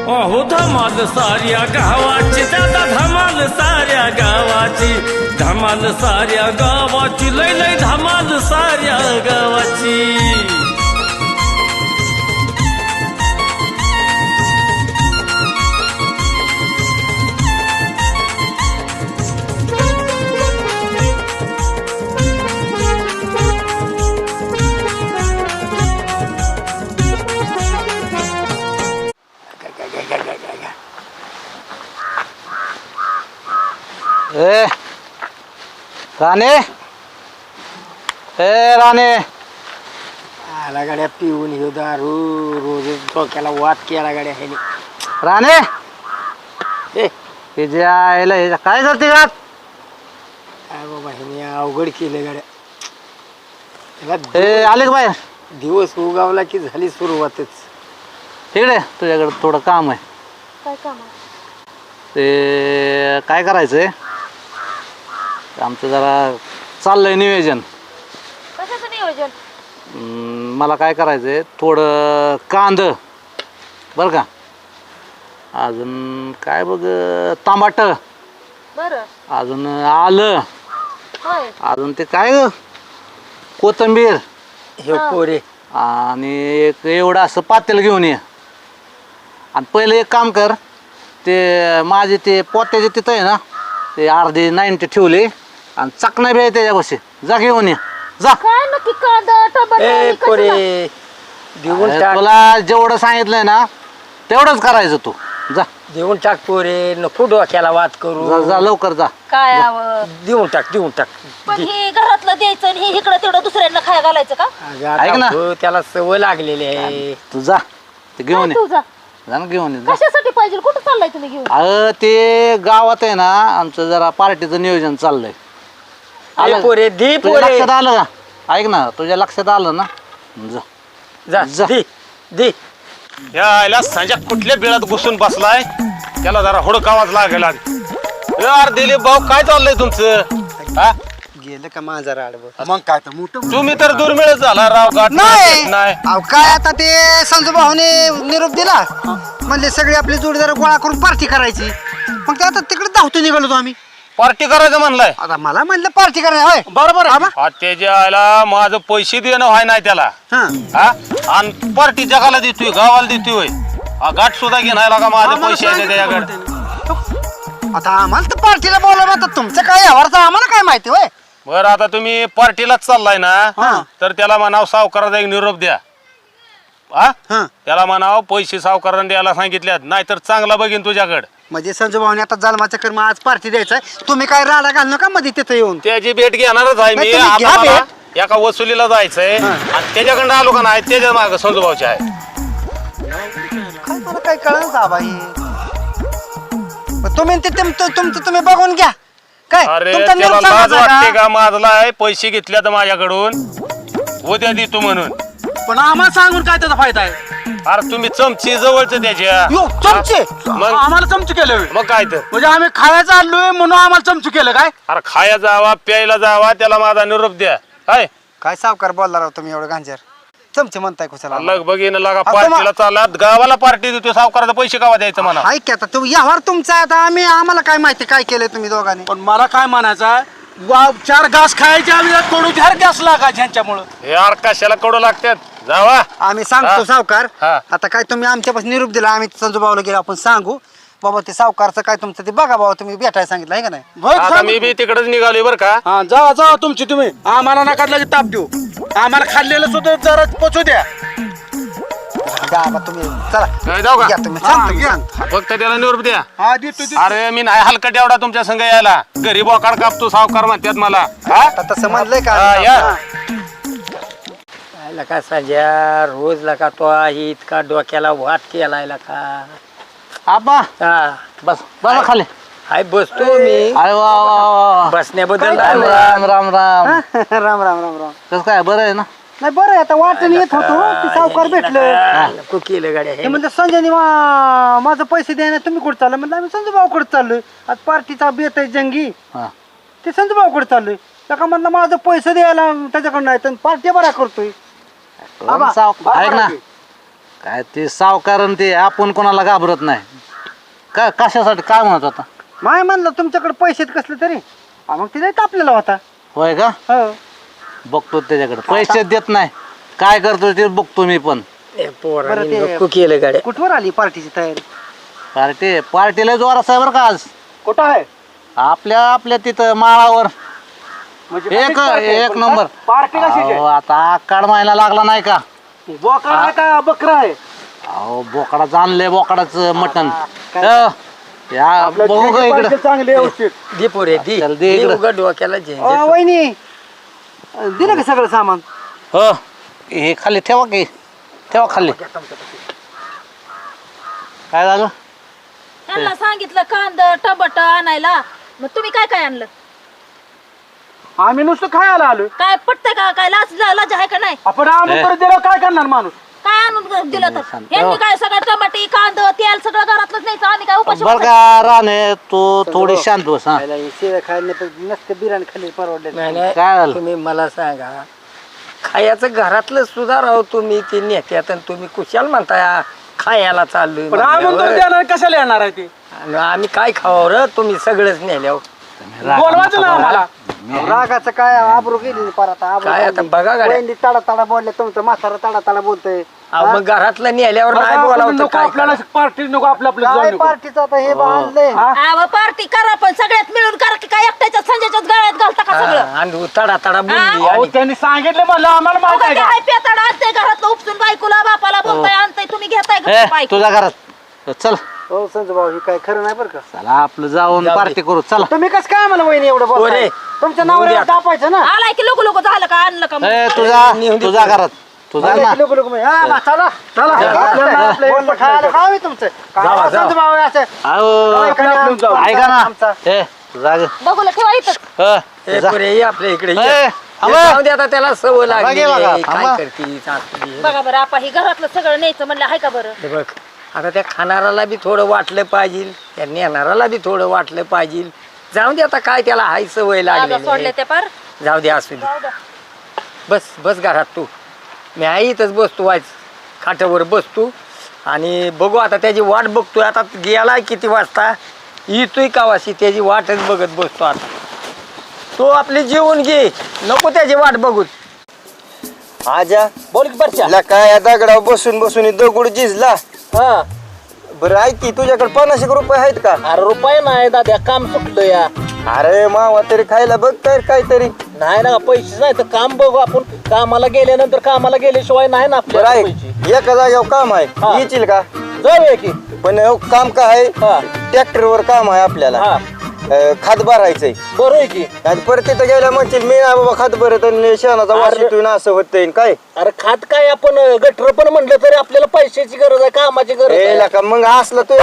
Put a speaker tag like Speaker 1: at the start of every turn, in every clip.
Speaker 1: अहो धमाल साऱ्या गावाची दादा धमाल साऱ्या गावाची धमाल साऱ्या गावाची लय लय धमाल साऱ्या गावाची
Speaker 2: ए राणे राणे
Speaker 3: आला गाड्या पिऊन हे दारू रोज डोक्याला वाद केला गाड्या ह्याने.
Speaker 2: राणे
Speaker 3: ए
Speaker 2: हे जे आयला हे काय करते का
Speaker 3: काय बाबा ह्याने अवघड केलं गाड्या.
Speaker 2: ए आले का बाहेर
Speaker 3: दिवस उगावला की झाली सुरुवातच.
Speaker 2: तिकडे तुझ्याकडे थोडं काम आहे.
Speaker 4: काय काम आहे?
Speaker 2: ते काय करायचंय आमचं जरा चाललंय नियोजन.
Speaker 4: कशाचं नियोजन?
Speaker 2: मला काय करायचंय थोडं कांद बरं का, अजून काय बघ टमाट,
Speaker 4: बरं.
Speaker 2: अजून आलं,
Speaker 4: होय.
Speaker 2: अजून ते काय ग कोथिंबीर
Speaker 3: हे पोरे
Speaker 2: आणि एक एवढं असं पातेल घेऊन ये. आणि पहिलं एक काम कर, ते माझे ते पोत्याचे तिथं आहे ना ते अर्धी 90 ठेवले आणि चकना बी आहे त्याच्यापाशी, जा घेऊन ये जा.
Speaker 4: काय नक्की कांदा टमाटर
Speaker 3: ए
Speaker 4: आणि
Speaker 3: पोरे
Speaker 4: कशाला?
Speaker 3: देऊन
Speaker 2: अरे
Speaker 3: टाक
Speaker 2: तुला जेवढं सांगितलंय ना तेवढंच करायचं तू. जा
Speaker 3: देऊन टाक पोरे नको डोक्याला वाद
Speaker 2: जा
Speaker 3: करू.
Speaker 2: जा लवकर जा.
Speaker 4: काय हवं?
Speaker 3: देऊन टाक देऊन टाक.
Speaker 4: पण हे घरातलं द्यायचं आणि हे इकडं तेवढं दुसऱ्यांना खाया घालायचं का?
Speaker 3: अगं आता
Speaker 2: ऐक ना.
Speaker 3: हो, त्याला सवय लागलेली आहे.
Speaker 2: तू जा ते घेऊन
Speaker 4: काय
Speaker 2: ये,
Speaker 4: तू जा.
Speaker 2: जा ना घेऊन ये जा.
Speaker 4: कशासाठी पाहिजे? कुठं चाललाय तुम्ही घेऊन?
Speaker 2: अगं ते गावात आहे ना आमचं जरा पार्टीचं नियोजन चाललंय.
Speaker 3: ए पोरे दे
Speaker 2: तुझ्या
Speaker 3: पोरे
Speaker 2: लक्षात आलं का? ऐक ना तुझ्या लक्षात आलं ना, जा
Speaker 3: जा
Speaker 2: जा.
Speaker 3: दे दे.
Speaker 5: या आयला संजय कुठल्या बिळात घुसून बसलाय, त्याला जरा हुडकावाच लागेल. यार दिलीप भाऊ काय चाललंय तुमचं? हा
Speaker 3: गेलं का माझा राडवं.
Speaker 6: मग काय तर मोठं
Speaker 5: तुम्ही तर दुर्मिळच झाला राव. गाठ
Speaker 6: नाही
Speaker 5: नाही
Speaker 6: अहो काय आता ते संजू भाऊने निरोप दिला म्हणले सगळे आपले जोडीदार गोळा करून पार्टी करायची. मग ते आता तिकडे धावतो निघालो आम्ही.
Speaker 5: पार्टी करायचं म्हणलाय.
Speaker 6: आता मला म्हणलं पार्टी करायची होय.
Speaker 5: बरोबर त्याच्या आयला माझं पैसे देणं व्हाय नाही त्याला.
Speaker 6: हा
Speaker 5: हा आणि पार्टी जगाला देतोय, गावाला देतोय होय. हा गाठ सुद्धा घेणार का माझे पैसे आहे त्याच्याकडे.
Speaker 6: आता आम्हाला तर पार्टीला बोलावं, आता तुमचं काय यावरचं आम्हाला काय माहिती होय.
Speaker 5: बरं आता तुम्ही पार्टीलाच चाललाय ना, तर त्याला म्हणाव सावकाराचा एक निरोप द्या. हा
Speaker 6: हा
Speaker 5: त्याला म्हणाव पैसे सावकाराने द्यायला सांगितल्यात, नाहीतर चांगला बघीन तुझ्याकडे.
Speaker 6: म्हणजे संजू भाऊने आता जन्माचं कर्म आज पार्टी द्यायचंय. तुम्ही काय राडा घाल नका मध्ये तिथं येऊन.
Speaker 5: त्याची भेट घेणारच आहे मी.
Speaker 6: नाही, तुम्ही
Speaker 5: आता
Speaker 6: घ्या
Speaker 5: मला एका वसुलीला जायचंय आणि त्याच्याकडे आलो का नाही त्याच्या माग संजूभाऊचे आहे.
Speaker 6: काय मला काय कळलं बाई. तुम्ही ते तुमचं तुम्ही बघून घ्या. काय
Speaker 5: अरे
Speaker 6: तुमचा
Speaker 5: त्याला
Speaker 6: निरोप
Speaker 5: लाज
Speaker 6: सांगायचा
Speaker 5: वाटते
Speaker 6: का?
Speaker 5: का माझलाय पैसे घेतल्यात माझ्याकडून उद्या देतो म्हणून.
Speaker 2: पण आम्हाला सांगून काय त्याचा फायदा आहे?
Speaker 5: अरे तुम्ही चमची जवळच त्याच्या.
Speaker 6: यो चमचे
Speaker 5: मग
Speaker 2: आम्हाला चमचू केलं
Speaker 5: मग काय तर.
Speaker 2: म्हणजे आम्ही खायचं आलोय म्हणून आम्हाला चमचू केलं काय?
Speaker 5: अरे खाया जावा प्यायला जावा त्याला माझा निरोप द्या. काय
Speaker 6: काय सावकार बोलला राव तुम्ही एवढं गांजर. चमचे म्हणताय कुशाला.
Speaker 5: लग बघीन लागा
Speaker 6: आता
Speaker 5: पार्टीला चालला, गावाला पार्टी देतो, सावकाराचा पैसे गावा द्यायचं म्हणा.
Speaker 6: हाय की आता तुम्ही यावर तुमचा आता आम्हाला काय माहिती काय केलंय तुम्ही दोघांनी.
Speaker 2: पण मला काय म्हणायचं, चार घास खायच्या आम्ही कडू चार घास लागायचे ह्यांच्यामुळं.
Speaker 5: हे यार कशाला कडू लागतात जावा.
Speaker 6: आम्ही सांगतो
Speaker 5: हा.
Speaker 6: सावकार.
Speaker 5: हा.
Speaker 6: आता काय तुम्ही आमच्यापासून निरूप दिला, आम्ही संजू भाऊला गेलो आपण सांगू बाबा ते सावकारचं काय तुमचं ते बघा बाबा तुम्ही भेटायला सांगितलं आहे का नाही.
Speaker 5: आता मी बी तिकडेच निघालोय बरं का.
Speaker 2: हा जावा जावा तुमची तुम्ही, आम्हाला नका लगेच ताप देऊ. आम्हाला खाल्लेलं सुद्धा जरा पोचू द्या.
Speaker 6: द्या बाबा तुम्ही चला
Speaker 5: काय जाऊ का?
Speaker 6: या तुम्ही सांगतो मी सांगतो.
Speaker 5: फक्त त्याला निरोप द्या.
Speaker 2: हा देतो देतो.
Speaker 5: अरे मी नाही हलकट एवढा तुमच्या संग यायला. घरी बोकाड कापतो सावकार म्हणतात मला. हा
Speaker 6: आता तसं म्हणलंय का.
Speaker 5: हा, या.
Speaker 6: हा.
Speaker 3: लका संजय रोज लका तो आहे इतका डोक्याला वाद केलाय लका.
Speaker 2: आबा
Speaker 3: हा
Speaker 2: बस बस खाली.
Speaker 3: हाय बसतो मी.
Speaker 2: अरे वा वा वा.
Speaker 3: बसण्याबद्दल
Speaker 2: राम राम राम राम.
Speaker 6: राम राम राम राम.
Speaker 2: कसं काय बरं आहे ना?
Speaker 6: नाही बरं आहे, आता वाटण येत होतो ते सावकार भेटलं.
Speaker 3: नको केलं गाड्या
Speaker 6: ते म्हणलं संजयनी माझं पैसे द्यायला तुम्ही कुठे चाललं. म्हणलं आम्ही संजू भाऊकडे चाललोय, आज पार्टीचा बेत आहे जंगी.
Speaker 2: हा.
Speaker 6: ते संजू भाऊकडे चाललोय. त्याका म्हणलं माझं पैसे द्यायला त्याच्याकडे नाही तर पार्टी बरा करतोय. आबा,
Speaker 2: ऐक ना, काय ते सावकारण ते आपण कोणाला घाबरत नाही. का कशासाठी काय म्हणत होता?
Speaker 6: माय म्हणलं तुमच्याकडे पैसे कसले तरी मग तिथे तापलेला होता.
Speaker 2: होय का?
Speaker 6: हो.
Speaker 2: बघतो त्याच्याकडे पैसे देत नाही. काय करतो ते बघतो मी पण.
Speaker 3: पोरांनी
Speaker 6: बरं ते-
Speaker 3: नको केलं गाड्या.
Speaker 6: कुठवर आली पार्टीची तयारी?
Speaker 2: पार्टीला जोरात आहे बरं का आज.
Speaker 6: कुठं आहे?
Speaker 2: आपल्या तिथं माळावर
Speaker 6: म्हणजे
Speaker 2: एक नंबर.
Speaker 6: पार्टी
Speaker 2: अहो, आता आकाड महिना लागला नाही का?
Speaker 6: बोकड आहे का बकरा आहे?
Speaker 2: अहो बोकडा जाणले बोकडाचं मटण. या बघू का इकडं.
Speaker 6: चांगले व्यवस्थित.
Speaker 3: दे पोरे दे.
Speaker 2: चल दे इकडं.
Speaker 3: उघड डोक्याला झेंझट.
Speaker 6: वहिनी दिलं का सगळं सामान?
Speaker 2: हो हे खाली ठेवा की. ठेवा खाली. काय झालं?
Speaker 4: त्यांना सांगितलं कांदा टमाटर आणायला, मग तुम्ही काय काय आणलं?
Speaker 6: आम्ही नुसतं खायला आलो.
Speaker 4: काय पटतंय का? काय लाज आहे का नाही?
Speaker 6: आपण आणून परत दिलं काय करणार माणूस?
Speaker 4: काय आणून दिलं तर
Speaker 2: शांत
Speaker 4: यांनी
Speaker 2: राहा.
Speaker 4: काय सगळं टमाटे कांदा तेल सगळं घरातलंच न्यायचं, आम्ही काय उपाशी
Speaker 2: बरं का राणे तू थोडी शांत बस. हा
Speaker 6: खायला नसतं बिर्याणी खाल्ली परवडले.
Speaker 3: नाही, नाही.
Speaker 2: काय झालं?
Speaker 3: तुम्ही मला सांगा, खायचं घरातलं सुद्धा राहो तुम्ही ते नेत्यात आणि तुम्ही कुशाल म्हणताय खायला चाललोय म्हणल्यावर.
Speaker 6: कशाला येणार आहे ते?
Speaker 3: आणि आम्ही काय खावं रे? तुम्ही सगळंच नेल्यावर
Speaker 6: बोलवायचं ना आम्हाला. रागाचं काय आबरू गेली परत.
Speaker 3: काय आता बघा गाड्या.
Speaker 6: तडा तडा बोलले तुमचं म्हातारा तडा तडा बोलतोय.
Speaker 3: अहो, मग घरातलं नेल्यावर नाही बोलावं तर काय
Speaker 6: आपल्याला पार्टी नको आपल्या पार्टीचं आता हे बांधलंय.
Speaker 4: पार्टी करा पण सगळ्यात मिळून करा की काय एकट्याच्या संजयच्याच गळ्यात घालता का सगळं?
Speaker 3: हा, आणि तडा तडा बोलली
Speaker 6: अहो,
Speaker 3: आणि
Speaker 6: त्यांनी सांगितलं म्हणलं आम्हाला माहित आहे
Speaker 4: अहो,
Speaker 6: का?
Speaker 4: काय पेताड आणतंय घरातलं उपसून बायकोला बापाला बोलताय आणतंय, तुम्ही घेताय
Speaker 2: ए,
Speaker 4: बायको.
Speaker 2: तुझ्या घरात चल.
Speaker 6: हो संजू भाऊ हे काय खरं नाही बरं का?
Speaker 2: चला आपलं जाऊन
Speaker 3: जाऊ दे.
Speaker 2: पार्टी करू. चला.
Speaker 6: तुम्ही कसं काय मला वहिनी एवढं बोलताय?
Speaker 3: पोरे,
Speaker 6: तुमच्या
Speaker 3: येऊ दे
Speaker 6: नावावर
Speaker 3: आता.
Speaker 6: दापायचं ना.
Speaker 4: आलाय की लोक लोक झालं का आणलं का मग?
Speaker 2: ए
Speaker 3: नेऊन दे
Speaker 2: तुझ्या घरात तुझा ना.
Speaker 6: लोक लोक चला चला बोलणं खायला खावं आहे तुमचं. काय
Speaker 3: जावा, जावा.
Speaker 6: संजू भाऊ असं
Speaker 2: अहो, ऐका ना. ए तुझा
Speaker 4: बघूला ठेवा इथं.
Speaker 3: ए, पोरे, ये आपल्या इकडे ये.
Speaker 2: ए,
Speaker 3: हे
Speaker 2: थांबा.
Speaker 3: जाऊ दे आता त्याला सवय लागली
Speaker 2: बघा,
Speaker 3: काय
Speaker 2: थांबा.
Speaker 3: करतीस असली.
Speaker 4: बघा बरं आपा ही घरातलं सगळं न्यायचं म्हणलं आहे का बरं?
Speaker 3: हे बघ आता त्या खाणाऱ्याला बी थोडं वाटलं पाहिजे, त्या नेणाऱ्याला बी थोडं वाटलं पाहिजे. जाऊ दे आता काय त्याला हाय सवय
Speaker 4: आता सोडले
Speaker 3: लागली.
Speaker 4: ते पार.
Speaker 3: जाऊ दे असू दे.
Speaker 4: जाऊ द्या.
Speaker 3: बस बस घरात तू. मी आई इथंच बसतो वाच खाट्यावर बसतो आणि बघू आता त्याची वाट बघतोय. आता गेलाय किती वाजता येतोय कावाशी त्याची वाटच बघत बसतो. आता तो आपली जेवून घे नको त्याची वाट बघू.
Speaker 7: आजा
Speaker 3: बोल की बरच्या.
Speaker 7: ला काय या दगडावर बसून बसून हे दगड झिजला.
Speaker 3: हा
Speaker 7: बरं ऐक की तुझ्याकडे 50 रुपये आहेत का?
Speaker 2: अरे रुपये नाही दादा काम सुटलं या.
Speaker 7: अरे मावा तरी खायला बघ तर काहीतरी.
Speaker 2: नाही ना पैसे नाही तर काम बघू आपण. कामाला गेल्यानंतर कामाला गेल्याशिवाय नाही ना
Speaker 7: बरं
Speaker 2: आपल्याला
Speaker 7: ऐक
Speaker 2: पैसे.
Speaker 7: एका जागेवर काम
Speaker 2: हा.
Speaker 7: आहे येशील का?
Speaker 2: जाऊया की.
Speaker 7: पण हो, काम काय
Speaker 2: हा.
Speaker 7: आहे ट्रॅक्टरवर काम आहे आपल्याला.
Speaker 2: हा
Speaker 7: खात भरायचंय
Speaker 2: बरं आहे की.
Speaker 7: आणि परत तिथं गेल्या म्हणशील मी ना बाबा खात भरत आणि शेणाचा वास
Speaker 2: अरे.
Speaker 7: येतोय ना असं होतंय काय.
Speaker 2: अरे खात काय आपण गटर पण म्हणलं तरी आपल्याला पैशाची गरज आहे कामाची गरज
Speaker 7: ए
Speaker 2: आहे.
Speaker 7: लका मग असलं तू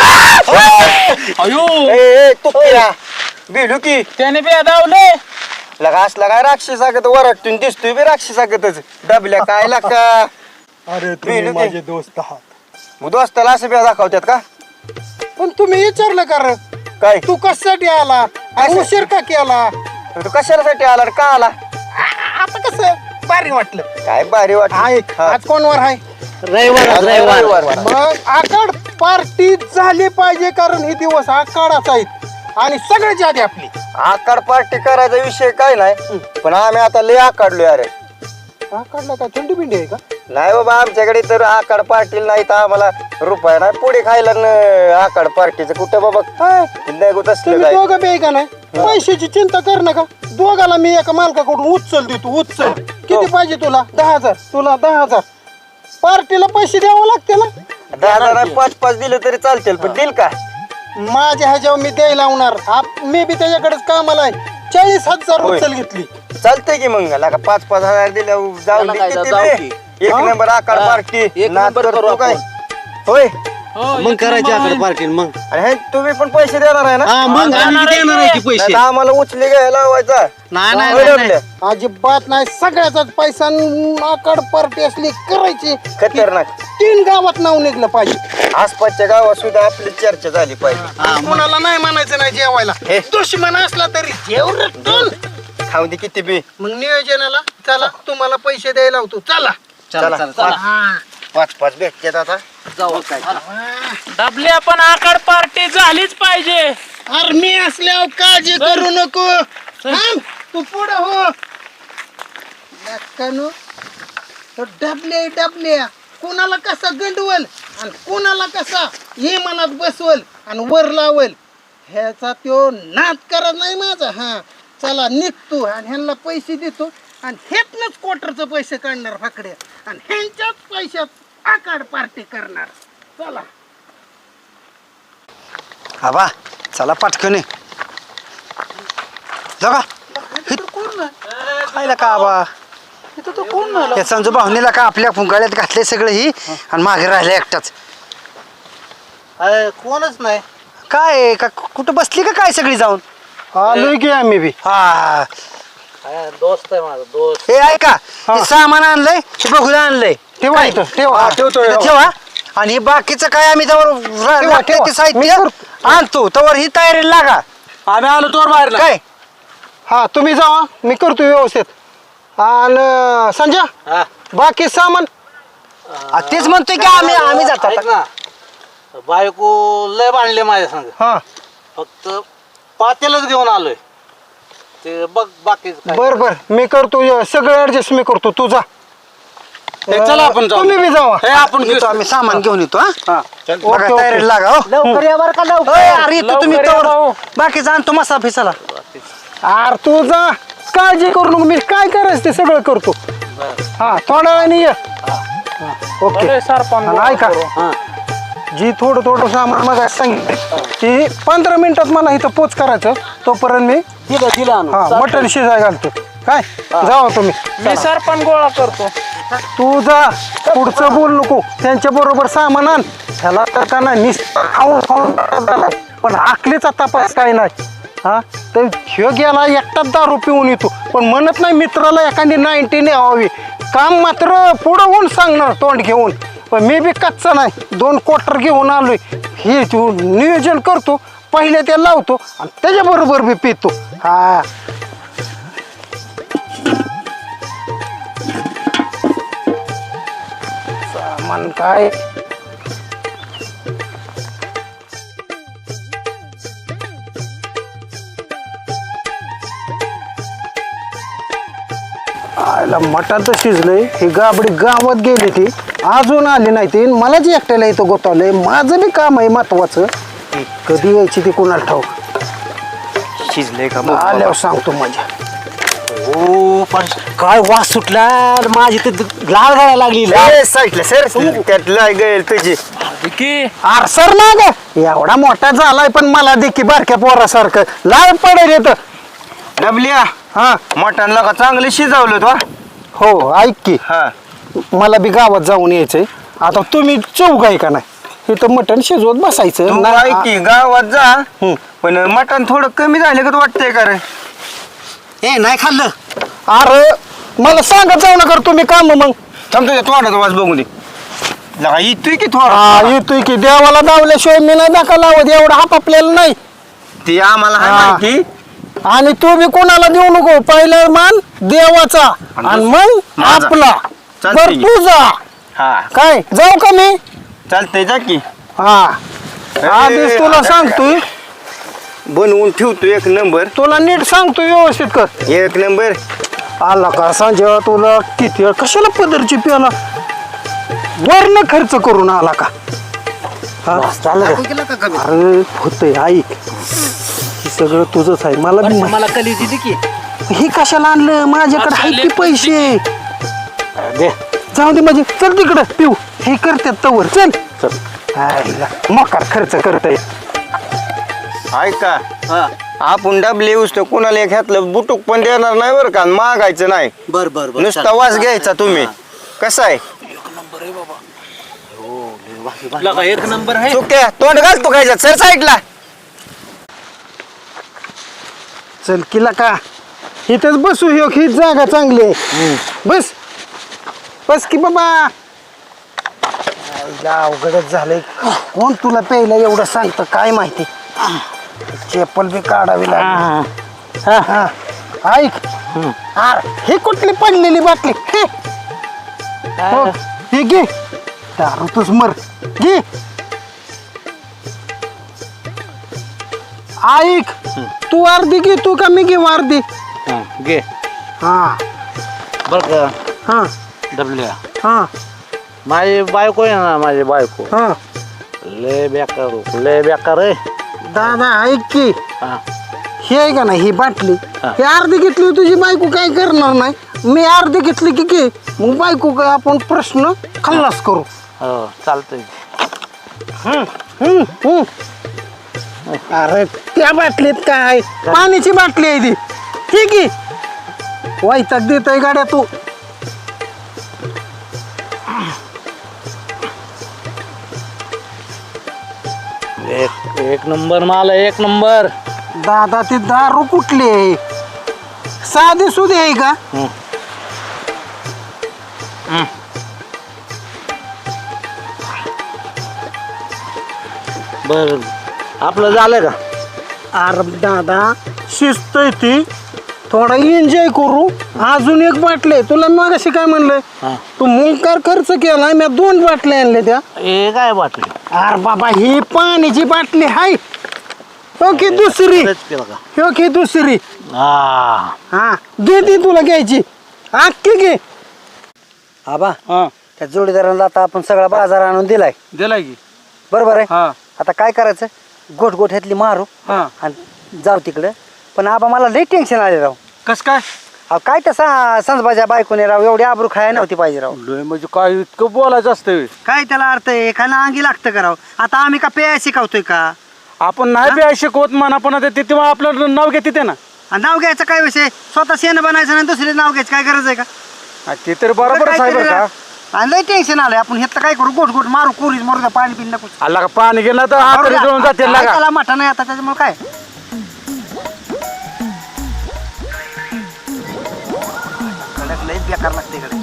Speaker 2: अयो
Speaker 7: तू भिडू की
Speaker 2: त्याने बी दावले.
Speaker 7: लगा असला काय राक्षसागत वराटून दिसतोय बी राक्षसागतच डबल्या काय लका.
Speaker 6: अरे
Speaker 7: तुम्ही माझे
Speaker 6: दोस्त आहात.
Speaker 7: दोस्ताला असं बिया दाखवतात का
Speaker 6: पण तुम्ही विचारलं का रे?
Speaker 7: काय
Speaker 6: तू कशासाठी आला आणि उशीर का केला?
Speaker 7: तू कशासाठी आला रे? का आला?
Speaker 6: आता कसं भारी वाटलं.
Speaker 7: काय भारी वाट
Speaker 6: आज कोणवर आहे?
Speaker 2: रविवार
Speaker 6: मग आकाड पार्टी झाली पाहिजे कारण हे दिवस आकाडाच आहेत आणि सगळ्याची आधी आपली.
Speaker 7: आकाड पार्टी करायचा विषय काय नाही पण आम्ही आता लय आकाडलोय. अरे
Speaker 6: आकाडला काय थंडी बिंडी आहे का?
Speaker 7: नाही बाबा आमच्याकडे तर आकाड पार्टी नाही तर आम्हाला रुपया नाही पुढे खायला आकाड पार्टीचं कुठं बाबा नाही होत असलं
Speaker 6: तुम्ही
Speaker 7: काय.
Speaker 6: दोघं बे का नाही पैशाची चिंता कर नका. दोघाला मी एका मालकाकडून उचल देतो उचल. किती पाहिजे तुला? 10,000. तुला 10,000. पार्टीला पैसे द्यावं लागते ना.
Speaker 7: 10,000 5-5 दिलं तरी चालतील पण दिल का?
Speaker 6: माझ्या ह्याच्यावर मी द्यायला लावणार. मी बी त्याच्याकडेच कामाला आहे. 40,000
Speaker 7: होय.
Speaker 6: उचल घेतली.
Speaker 7: चालतंय की मग लका 5-5 हजार दिल्या जाऊन
Speaker 2: त्याला
Speaker 7: दे
Speaker 2: काय
Speaker 7: किती
Speaker 2: जाऊ
Speaker 7: बे.
Speaker 2: की.
Speaker 7: एक
Speaker 6: हा?
Speaker 7: नंबर आकाड
Speaker 2: हा.
Speaker 7: पार्टी
Speaker 2: एक
Speaker 7: नाद
Speaker 2: नंबर
Speaker 7: करतो
Speaker 2: करू
Speaker 7: काय
Speaker 2: आपण.
Speaker 7: होय.
Speaker 2: मग करायची आकडे पार्टी मग.
Speaker 7: आणि हे तुम्ही पण पैसे देणार आहे ना?
Speaker 2: मग आम्ही देणार आहे की
Speaker 7: नाही
Speaker 2: पैसे.
Speaker 7: तर आम्हाला उचले घ्यायला लावायचा. होय आपल्या?
Speaker 6: अजिबात नाही. सगळ्याचाच पैसा आकाड पार्टी असली करायची.
Speaker 7: खतरनाक
Speaker 6: 3 गावात नाव निघलं पाहिजे.
Speaker 7: आसपासच्या गावात सुद्धा आपली चर्चा झाली पाहिजे.
Speaker 6: कोणाला नाही म्हणायचं नाही जेवायला.
Speaker 7: हे.
Speaker 6: दुश्मन असला तरी जेव रट्टून.
Speaker 7: खाऊ दे किती बी.
Speaker 6: मग नियोजनाला चला तुम्हाला पैसे द्यायला लावतो. चला
Speaker 7: चला
Speaker 6: हा.
Speaker 7: 5-5 भेटतात आता
Speaker 2: जाऊ काय
Speaker 1: डबली आपण आकाड पार्टी झालीच पाहिजे.
Speaker 6: अरे मी असल्यावर काळजी करू नको. थांब, तू पुढं हो. नक्कानो डबल्या कोणाला कसा गंडवल आणि कोणाला कसा इमानात बसवल आणि वर लावल ह्याचा तो नाद करत नाही माझा. हा चला निघतो आणि ह्यांना पैसे देतो आणि हेतनच क्वार्टरचं पैसे काढणार फाकड्या आणि ह्यांच्याच पैशात आकाड पार्टी करणार. चला
Speaker 7: आबा चला पटकन जगा खायला का आबा या समजा भावनेला का आपल्या गळ्यात घातले सगळं ही आणि मागे राहिले एकटाच.
Speaker 2: कोणच नाही.
Speaker 7: काय का कुठं बसली का काय सगळी जाऊन
Speaker 6: आलोय की आम्ही बी.
Speaker 7: हा
Speaker 2: दोस्त आहे माझा दोस्त.
Speaker 7: हे ऐका हे सामान आणलंय हे बघूला आणलंय
Speaker 6: ठेवा इथं, ठेवा.
Speaker 7: इथं ठेवा आणि हे बाकीचं काय आम्ही
Speaker 6: ठेवा.
Speaker 7: त्यावर साहित्य आणतो तवर ही तयारी लागा.
Speaker 2: आम्ही आलो तोर बाहेर
Speaker 7: काय
Speaker 6: हा तुम्ही जावा मी करतो व्यवस्थित. आणि संजय बाकी सामान
Speaker 7: तेच म्हणतोय की आम्ही जातो
Speaker 2: ऐक ना बायको लय बांधले माझ्या संग.
Speaker 6: हा
Speaker 2: फक्त पातेलच घेऊन आलोय ते बघ बाकी
Speaker 6: बर बर मी करतो सगळं ऍडजस्ट मी करतो. तू जा.
Speaker 2: चला आपण जाऊ.
Speaker 6: तुम्ही बी जावा.
Speaker 7: येतो आम्ही सामान घेऊन येतो हा बघा
Speaker 6: ओके.
Speaker 7: तयारी लागा हो
Speaker 2: लवकर या बरं का लवकर.
Speaker 7: अरे येतो तुम्ही तवर बाकी जाणतो मसा फिसाला.
Speaker 6: अरे तू जा काळजी करू नको मी काय करायचं ते सगळं करतो. हा थोड्या वेळाने ये. ओके आणि ऐका जी थोडं सामान मग सांगितलं की 15 मिनिटात मला इथं पोच करायचं तोपर्यंत मी हा मटण शिजाय घालतो. काय जावा तुम्ही.
Speaker 1: मी सरपण गोळा करतो.
Speaker 6: तू जा पुढचं बोल नको त्यांच्या बरोबर सामान आण. ह्याला तर का नाही पण आखलीचा तपास काय नाही. हा तर ह्यो गेला एकटाच दारू पिऊन येतो पण म्हणत नाही मित्राला एखादी 90 न्यावी. काम मात्र पुढं होऊन सांगणार तोंड घेऊन. पण मी बी कच्चा नाही 2 क्वार्टर घेऊन आलोय. हे तू नियोजन करतो पहिले ते लावतो आणि त्याच्याबरोबर बी पितो. हा सामान काय आयला मटण तर शिजलंय. ही गाबडी गावात गेली ती अजून आली नाही ती मलाच एकट्याला इथं गोतावलंय. माझं बी काम आहे महत्वाचं. कधी यायची ती कोणाला ठाऊक.
Speaker 7: शिजले का
Speaker 6: आल्यावर सांगतो माझ्या.
Speaker 2: हो पण काय वास सुटला माझी तर लाल गाळा लागली.
Speaker 7: साईडला सर त्यात गेल तुझी
Speaker 6: आरसर ना ग एवढा मोठा झालाय पण मला देखी बारक्या पोरासारखं लाल पडेल येत.
Speaker 7: डबल्या
Speaker 6: हा
Speaker 7: मटणला का चांगलं शिजवलं तो.
Speaker 6: हो ऐक की
Speaker 7: हा
Speaker 6: मला बी गावात जाऊन यायचंय. आता तुम्ही चौघ आहे का नाही इथं मटण शिजवत बसायचं
Speaker 7: तू
Speaker 6: नाही.
Speaker 7: ऐक की गावात जा पण मटण थोडं कमी झालं का वाटतंय का रे.
Speaker 2: ए नाही खाल्लं.
Speaker 6: अरे मला सांगत जाऊ नका तुम्ही काम मग.
Speaker 7: थांब तुझ्या तोंडाचा वास बघून दे. लगा येतोय की थोडा
Speaker 6: हा येतोय की देवाला दावल्याशिवाय मी नाही दाखा लावत एवढा हाप आपल्याला नाही.
Speaker 7: ते आम्हाला हाय
Speaker 6: हा.
Speaker 7: माहिती.
Speaker 6: आणि तू बी कोणाला देऊ नको पहिला मान देवाचा आणि मग
Speaker 7: माझा.
Speaker 6: आपला.
Speaker 7: चालतंय
Speaker 6: बर
Speaker 7: की.
Speaker 6: तू जा.
Speaker 7: हा
Speaker 6: काय जाऊ का मी.
Speaker 7: चालतंय जा की
Speaker 6: हा आधीच तुला सांगतोय
Speaker 7: बनवून ठेवतो 1 नंबर.
Speaker 6: तुला नीट सांगतो व्यवस्थित कर.
Speaker 7: 1 नंबर.
Speaker 6: आला का संजय तुला किती वेळ कशाला पदरची प्याला वरनं खर्च करून आला का. हा अरे होतंय ऐक हे सगळं तुझंच आहे. मला बी
Speaker 2: मला कली दिली की
Speaker 6: हे कशाला आणलं माझ्याकडे आहेत की पैसे.
Speaker 2: दे
Speaker 6: जाऊ दे म्हणजे चल तिकडं पिऊ हे करतात तवर चल आईला मोकार खर्च करताय.
Speaker 7: ऐका
Speaker 2: हा
Speaker 7: आपण डबले उचतो कोणाला एक घातलं बुटूक पण देणार नाही बरं का मागायचं नाही.
Speaker 2: बर बर बर
Speaker 7: नुसता वास घ्यायचा तुम्ही. कसं आहे
Speaker 2: लगा 1 नंबर आहे.
Speaker 7: चुक्या तोंड घालतो खायच्या सर साईडला.
Speaker 6: चल किला का इथंच बसू ही जागा चांगली आहे. बस बस की बाबा. आईला अवघडच झालंय. कोण तुला प्यायला एवढं सांगतं काय माहिती. चेपल बी काढावी लागली. हा ऐक अरे ही कुठली पडलेली बाटली हे हो, हे घे दारूतच मर घे ऐक तू अर्धी घे तू का मी घेऊ अर्धी
Speaker 2: हां घे
Speaker 6: हा
Speaker 2: बरं का
Speaker 6: हा
Speaker 2: डबल्या
Speaker 6: हा
Speaker 2: माझी बायको आहे ना माझी बायको
Speaker 6: हा
Speaker 2: लय बेकार आहे
Speaker 6: दादा ऐक की
Speaker 2: हां
Speaker 6: हे आहे का ना ही बाटली
Speaker 2: हा.
Speaker 6: ही अर्धी घेतली तुझी बायको काय करणार नाही मी अर्धी घेतली की घे मग बायको काय आपण प्रश्न खल्लास करू
Speaker 2: हो चालतंय
Speaker 6: हम्म. अरे त्या बाटलीत काय पाण्याची बाटली आहे ती ठीक आहे वैताग देत आहे गाड्या तू
Speaker 2: एक नंबर माल आहे एक नंबर
Speaker 6: दादा ती दारू कुठली आहे साधी सुधी आहे का
Speaker 2: बर आपलं झालं का
Speaker 6: अरे दादा शिस्त आहे ती थोडा एन्जॉय करू अजून एक बाटली आहे. तुला मग अशी काय म्हणलंय
Speaker 2: हा.
Speaker 6: तू मुंकार खर्च केलाय मी 2 बाटल्या आणल्या त्या
Speaker 2: हे काय बाटली
Speaker 6: अरे बाबा ही पाण्याची बाटली हाय ओके दुसरी
Speaker 2: खरंच केलं का
Speaker 6: ओके दुसरी
Speaker 2: हा
Speaker 6: हा घे ती तुला घ्यायची अख्खी घे
Speaker 3: आबा
Speaker 6: हा
Speaker 3: त्या जोडीदाराला आता आपण सगळा बाजार आणून दिलाय
Speaker 6: दिलाय की
Speaker 3: बरोबर आहे
Speaker 6: हा
Speaker 3: आता काय करायचं गोठ गोठ ह्यातली मारू
Speaker 6: हा
Speaker 3: आणि जाऊ तिकडं पण आबा मला लई टेन्शन आले राव
Speaker 6: कस काय
Speaker 3: अहो काय तसा संजबाच्या बायकोने राव एवढी आबरू खाया नव्हती पाहिजे राव
Speaker 6: म्हणजे काय इतकं बोलायचं असतं
Speaker 3: काय त्याला अर्थ आहे एखादा अंगी लागतं का राव आता आम्ही का पेया शिकवतोय का
Speaker 6: आपण नाही बी शिकवत म्हणा पण ते तेव्हा आपलं नाव घेते ते ना
Speaker 3: आणि नाव घ्यायचं काय विषय स्वतः शेण बनायचं नाही दुसरे नाव घ्यायचं काय गरज आहे का
Speaker 6: ते तर बरोबरच आहे बरं का
Speaker 3: आणि लई टेन्शन आलंय आपण हे काय करू गोठ गोठ मारू कोरीच मारू द्या पाणी पिन नको
Speaker 6: आला का पाणी गेलं तर हात जळून जाते लागा
Speaker 3: त्याला मठा नाही आता त्याच्यामुळे काय कडक लई बेकार लागते इकडे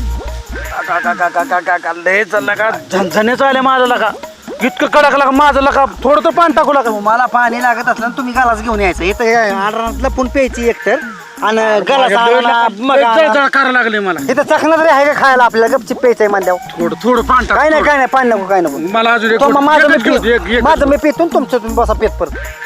Speaker 6: लय चालला का झणझणीच आले माझं लका इतकं कडक लागा माझं लका थोडं तर पाणी टाकू लागा
Speaker 3: मला पाणी लागत असलं ना तुम्ही गलास घेऊन यायचं इथं आडरातलं पण प्यायची एकतर आणि गलास
Speaker 6: करायला लागले मला
Speaker 3: इथं चखणं तरी आहे का खायला आपल्याला गपची प्यायचंय म्हणल्यावर
Speaker 6: थोडं थोडं पाणी
Speaker 3: काय नाही काय नाही पाणी नको काय नको
Speaker 6: मला अजून एक
Speaker 3: तो मग माझं मी
Speaker 6: एकच घेऊ दे,
Speaker 3: पितो. माझं मी पितो तुमचं तुम्ही बसा पेत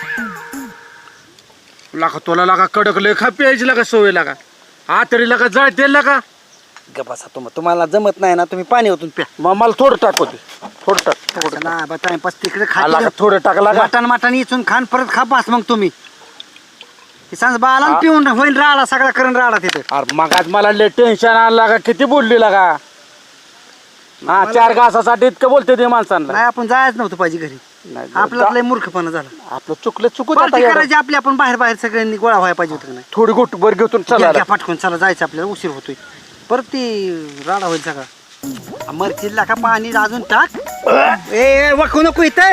Speaker 3: परत
Speaker 6: लागा तुला लागा कडक लय खा प्यायची लागा सवय लागा हा तरी लागा जळ तेल लागा
Speaker 3: बसा तुम्हाला जमत नाही ना तुम्ही पाणी ओतून प्या
Speaker 6: मग मला थोडं टाकू दे थोडं टाक थोडं
Speaker 3: ना बा टाइमपास तिकडे
Speaker 6: लागा
Speaker 3: खा
Speaker 6: थोडं टाक लागा
Speaker 3: मटण मटण इचून खान परत खा पास मग तुम्ही सांग बाला
Speaker 6: हा.
Speaker 3: पिऊन होईल राडा सगळा करून राडा तिथे
Speaker 6: अरे मग आज मला लय टेन्शन आलं लागा किती बोलली लागा हा 4 घासासाठी इतकं बोलते ते माणसांना
Speaker 3: नाही आपण जायच नव्हतं पाहिजे घरी
Speaker 6: नाही,
Speaker 3: आपलं लय मूर्खपणा झाला
Speaker 6: आपलं चुकलं चुकू
Speaker 3: पार्टी करायची आपली आपण बाहेर बाहेर सगळ्यांनी गोळा व्हायला पाहिजे होतं का नाही
Speaker 6: थोडी गोट बर घेऊन
Speaker 3: घ्या,
Speaker 6: चला
Speaker 3: घ्या, पाठवून चला जायचं आपल्याला उशीर होतोय परत ती राडा होईल सगळा मरचिल्ला का पाणी अजून टाक ए वखू नको इथे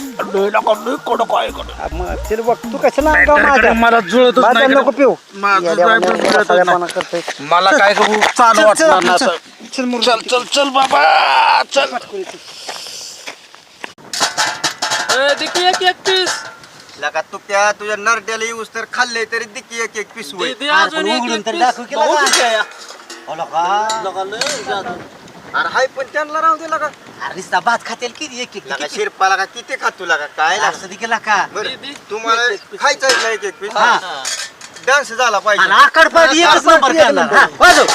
Speaker 3: मरचिल वख तू कशाला अंगावर माझ्या?
Speaker 6: मला जुळतच
Speaker 3: माझं
Speaker 6: नाही
Speaker 3: नको पिऊ
Speaker 6: माझं
Speaker 3: येड्यावानी
Speaker 6: जायचं जुळतच
Speaker 3: साडेपणा करतोय.
Speaker 6: मला काय चालू
Speaker 3: चल,
Speaker 6: वाटणार
Speaker 3: चल,
Speaker 6: ना
Speaker 3: चल, चल, मुर्गा.
Speaker 6: चल चल बाबा चल
Speaker 7: लगा तू त्या तुझ्या नरड्याला येऊस तर खाल्ले तरी दिकी एक पीस होईल
Speaker 3: अरे पण उघडून तरी दाखव की लगा.
Speaker 7: अरे हाय पण त्यांना राहू दे लगा
Speaker 3: नुसता भात खातेल किती एक एक
Speaker 7: लगा शिरपा लगा किती खातो लगा काय लगा?
Speaker 3: असं केला का
Speaker 7: बरं, तुम्हाला खायचं आहे ना एक पीस
Speaker 3: हा.
Speaker 7: डान्स झाला पाहिजे
Speaker 3: आकड पाहिजे एकच नंबर करणार हा, वाजव.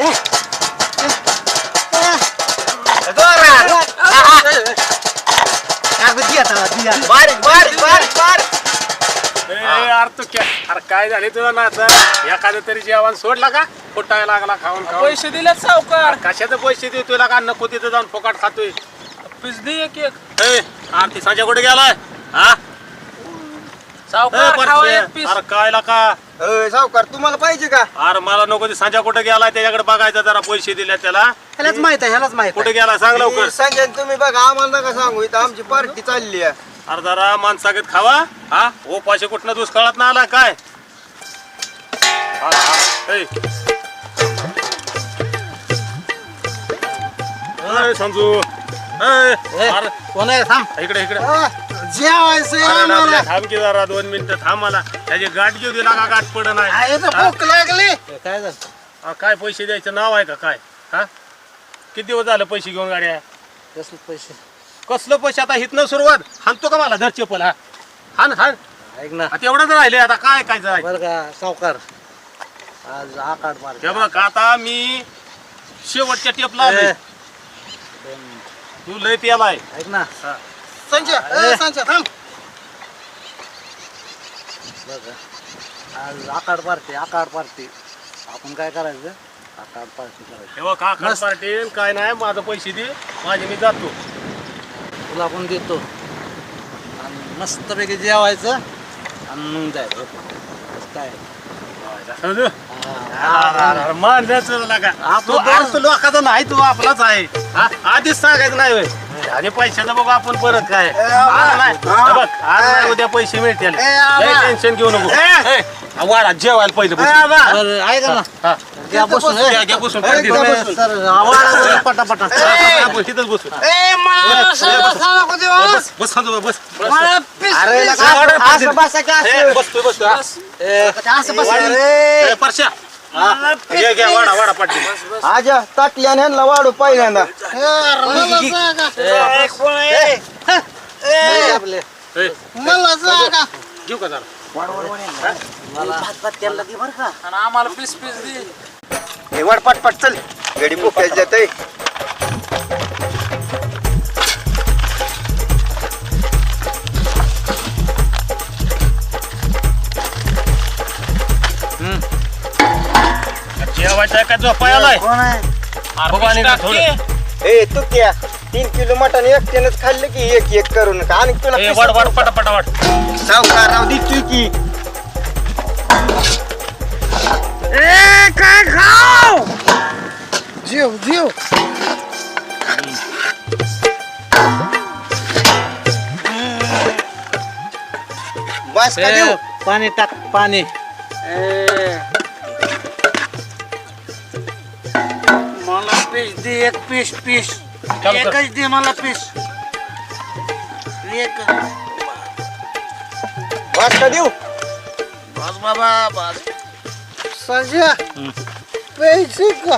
Speaker 7: बारीक बारीक बारीक बारीक
Speaker 5: अरे काय झाले तुला ना आता एखादं तरी जेवण सोडला का फुटायला लागला खाऊन खाऊन
Speaker 1: पैसे दिलेत सावकार
Speaker 5: कशाचे पैसे देऊ तुला का नको तिथं जाऊन फुकाट खातोय
Speaker 1: पिझ्झी एक एक
Speaker 5: आरती संजय कुठे गेलाय हा
Speaker 1: सावकार खावा एक पीस
Speaker 5: अरे काय का
Speaker 7: सावकार तुम्हाला पाहिजे का
Speaker 5: अरे मला नको ते संजय कुठे गेलाय त्याच्याकडे बघायचं जरा पैसे दिले त्याला
Speaker 3: ह्यालाच माहित आहे ह्यालाच माहित
Speaker 5: कुठे गेला सांग लवकर
Speaker 7: सांगेन तुम्ही बघा आम्हाला नका सांगू इथं आमची पार्टी चालली आहे
Speaker 5: अरे जरा माणसागत खावा हा ओ पाशे कुठनं दुष्काळात ना आला काय हा, हा. ए. ए, संजू ए, अरे,
Speaker 2: कोण आहे थांब
Speaker 5: इकडे इकडे
Speaker 6: जेवायचं
Speaker 5: अरे नामल्या, थांब की जरा 2 मिनिटं थांब मला त्याची गाठ घेऊ दिला का गाठ पड नाही
Speaker 6: भूक लागली
Speaker 2: काय झालं
Speaker 5: काय पैसे द्यायचं नाव आहे का काय हा किती दिवस झालं पैसे घेऊन गाड्या
Speaker 2: कसले पैसे
Speaker 5: कसलं पैसे आता हितनं सुरुवात हाणतो का मला धर चप्पल हा हाण हाण
Speaker 2: ऐक ना
Speaker 5: आता एवढंच राहिले आता काय काय जाय
Speaker 2: बरं का सावकार आज आकाड मार
Speaker 5: हे बघ आता मी शेवटच्या टेपला आलोय. तू लय प्यालाय
Speaker 2: ऐक ना
Speaker 6: संजय संजय थांब
Speaker 2: बरं का आज आकाड पार्टी आपण काय करायचं आकाड पार्टी करायची
Speaker 5: हे बघ का खरं पार्टी काय नाही माझं पैसे दे माझे मी जातो
Speaker 2: तुला पण देतो आणि मस्तपैकी जेवायचं आणि मग जायचं काय
Speaker 5: मारण्याचं लागा
Speaker 2: आपलं
Speaker 5: तू आज तू लोकांचा नाही तू आपलाच आहे हा? आधीच सांगायचं नाही होय. आणि पैशाचं बघू आपण परत काय आज नाही हे बघ आज नाही उद्या पैसे मिळतील टेन्शन घेऊ नको ए, वाडा जेवायला पहिलं बसून.
Speaker 2: बरं ऐका ना
Speaker 5: हा.
Speaker 2: घ्या बसून
Speaker 5: घ्या बसून पार्टी.
Speaker 2: सर आवाज पटापटा
Speaker 5: आपण तिथंच बसू बस बस खांदो, बस
Speaker 7: अरे असं बसा की
Speaker 5: ए, बसतोय बसतोय
Speaker 7: असं बसा
Speaker 5: ए, परश्या घ्या घ्या वाडा वाडा पाठी
Speaker 7: आजा ताटल्याने ह्यांना वाढू पहिल्यांदा
Speaker 2: आपले
Speaker 5: घेऊ का जरा
Speaker 7: हे वाढ पटपट चल गडी बुकायची जाते
Speaker 5: जेवायचं आहे का झोपायलाय अरे थोडं
Speaker 7: ए तू क्या 3 किलो मटण एकट्यानंच खाल्लं की एक करू नका आणि तुला
Speaker 5: ए, वाढ वाढ पटापटा वाढ
Speaker 7: सावकार राव दिसतोय की
Speaker 3: काय खाऊ
Speaker 6: जीव जीव
Speaker 7: बस का देऊ
Speaker 2: पाणी टाक पाणी
Speaker 3: मला पीस दे एक पीस पीस
Speaker 5: कर.
Speaker 3: एकच दे मला पीस एक
Speaker 7: बस का देऊ
Speaker 3: बस बाबा बस
Speaker 6: संजय पैसे का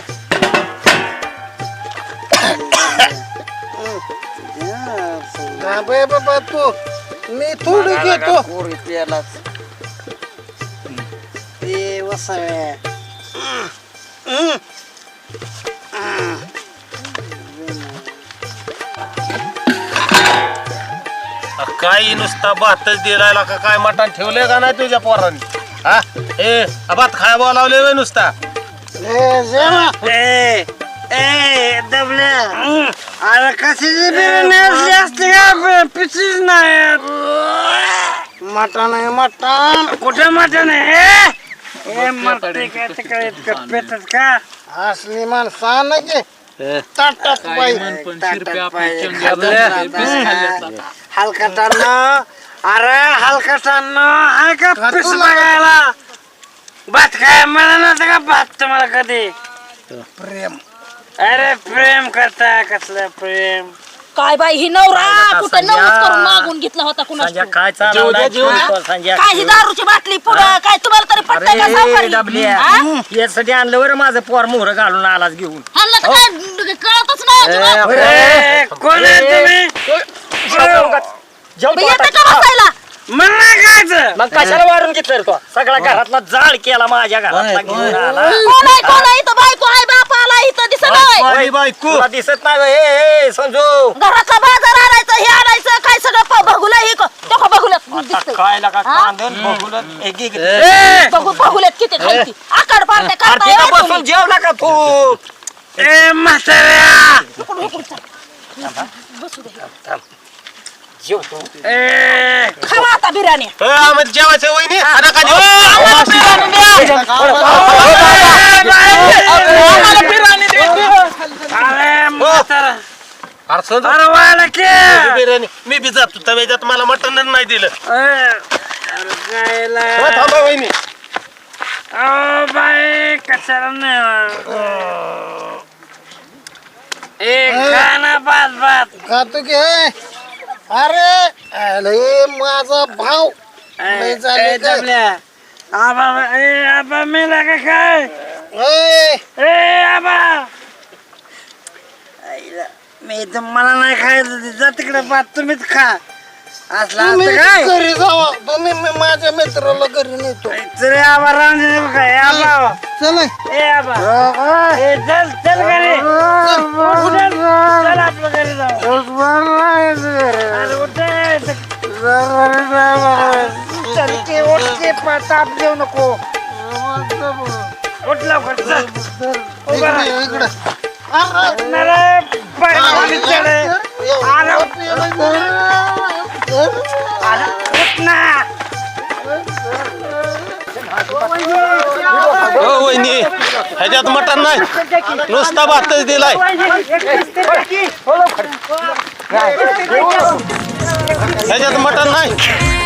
Speaker 6: बाबा तू मी थोडी घेतो
Speaker 3: ते वसावे
Speaker 5: काही नुसता भातच दिलायला का काय मटण ठेवलंय का नाही तुझ्या पोरांनी हा ए भात खाया बोलावले होय नुसता
Speaker 3: दबल्या अरे कशाची बिर्याणी असली असते का पिसीच नाही
Speaker 6: मटण आहे मटण
Speaker 3: कुठे मटण आहे ए मटण काय तिकडे इतकं पेटत का
Speaker 6: असली माणसं ना की ताटात बाई
Speaker 3: हलकटांना अरे हलकटांना आहे का पिस बघायला भात काय मला नव्हतं का भात तुम्हाला कधी
Speaker 6: प्रेम
Speaker 3: अरे प्रेम करता कसलं प्रेम
Speaker 4: काय बाई ही नवरा कुठं नवस करून मागून घेतला होता कुणाला
Speaker 3: काय
Speaker 4: काय ही दारूची बाटली पुढं काय तुम्हाला तरी पटतंय का सावकारी? हा?
Speaker 3: यासाठी आणलं बरं माझं पोर मोहर घालून आलाच घेऊन
Speaker 4: ह्यांना तर काय कळतच नाही अजिबात.
Speaker 3: कोण आहे तुम्ही
Speaker 4: येतं का बसायला
Speaker 3: मग नाही खायचं मग कशाला वाढून घेतलं तो सगळा घरातला जाळ केला माझ्या घरातला घेऊन आला
Speaker 4: कोण आहे इथं बायको आहे बाप आला इथं दिसत नाही
Speaker 5: माझी बायको
Speaker 3: तुला दिसत नाही होय? ए संजू
Speaker 4: घराचा बाजार आणायचं हे आणायचं काय सगळं बघूला हे बघूला दिसतंय
Speaker 3: काय लागा
Speaker 4: हा?
Speaker 3: कांदन बघून एक एक
Speaker 4: बघूल्यात किती खायची आकाड पाडते
Speaker 3: आरतीला
Speaker 4: करताय
Speaker 3: बसून
Speaker 4: तुम्ही.
Speaker 3: जेवला का तू ए म्हाताऱ्या
Speaker 4: हुकून, हुकून, चल. बसू दे.
Speaker 3: जेवतो
Speaker 4: खावा आता बिर्याणी
Speaker 5: आम्हाला जेवायचं वहिनी खाना का देऊ?
Speaker 4: आम्हाला बिर्याणी दे.
Speaker 3: अरे म्हातारा
Speaker 5: अरे संजू,
Speaker 3: अरे व्हायला के
Speaker 5: बिर्याणी मी बी जातो तव्याच्यात मला मटण नाही दिलं
Speaker 3: अरे गायला
Speaker 5: हो, थांबा वहिनी
Speaker 3: ओ बाई कशाला नाही एक खाना बात बात
Speaker 6: खातो की हे? अरे अरे माझा भाव लय झाले काय?
Speaker 3: आबा मेला का काय
Speaker 6: ए,
Speaker 3: ए आबा मी तर मला नाही खायचं जा तिकडे बात तुम्हीच खा असला काय
Speaker 6: घरी जावा तुम्ही माझ्या मित्राला घरी नेतो
Speaker 3: चल आबा राहून काय आबा
Speaker 6: चल
Speaker 3: ए आबा ए चल चल घरी चल आपलं घरी जाऊ अरे उठ चल के उठ के ताप देऊ नको उठ लवकर चल उभा राहा. अरे पाय खाली चढ. अरे उठ ना.
Speaker 5: हो वहिनी ह्याच्यात मटण नाही नुसता भातच दिलाय ह्याच्यात मटण नाही